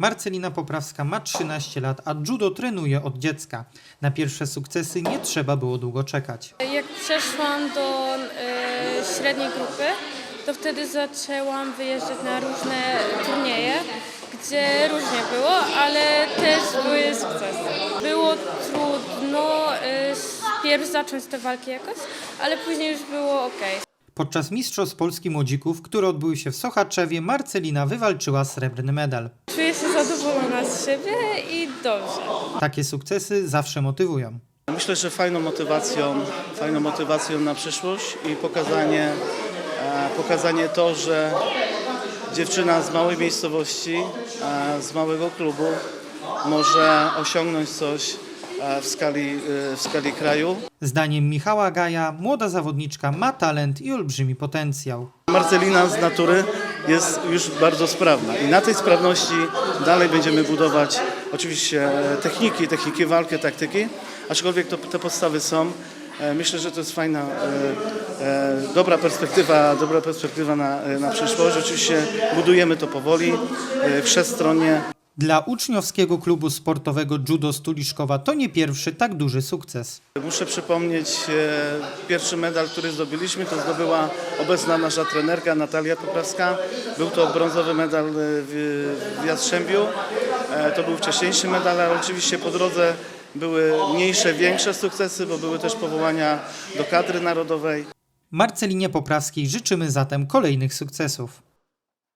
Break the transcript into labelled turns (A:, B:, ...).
A: Marcelina Poprawska ma 13 lat, a judo trenuje od dziecka. Na pierwsze sukcesy nie trzeba było długo czekać.
B: Jak przeszłam do średniej grupy, to wtedy zaczęłam wyjeżdżać na różne turnieje, gdzie różnie było, ale też były sukcesy. Było trudno pierw zacząć te walki jakoś, ale później już było ok.
A: Podczas Mistrzostw Polski Młodzików, które odbyły się w Sochaczewie, Marcelina wywalczyła srebrny medal.
B: Czuję się zadowolona z siebie i dobrze.
A: Takie sukcesy zawsze motywują.
C: Myślę, że fajną motywacją na przyszłość i pokazanie to, że dziewczyna z małej miejscowości, z małego klubu może osiągnąć coś w skali kraju.
A: Zdaniem Michała Gaja młoda zawodniczka ma talent i olbrzymi potencjał.
C: Marcelina z natury jest już bardzo sprawna i na tej sprawności dalej będziemy budować oczywiście techniki walki, taktyki, aczkolwiek te podstawy są. Myślę, że to jest fajna, dobra perspektywa na przyszłość. Oczywiście budujemy to powoli, wszechstronnie.
A: Dla uczniowskiego klubu sportowego Judo Stuliszkowa to nie pierwszy tak duży sukces.
C: Muszę przypomnieć pierwszy medal, który zdobyliśmy, to zdobyła obecna nasza trenerka Natalia Poprawska. Był to brązowy medal w Jastrzębiu. To był wcześniejszy medal, ale oczywiście po drodze były mniejsze, większe sukcesy, bo były też powołania do kadry narodowej.
A: Marcelinie Poprawskiej życzymy zatem kolejnych sukcesów.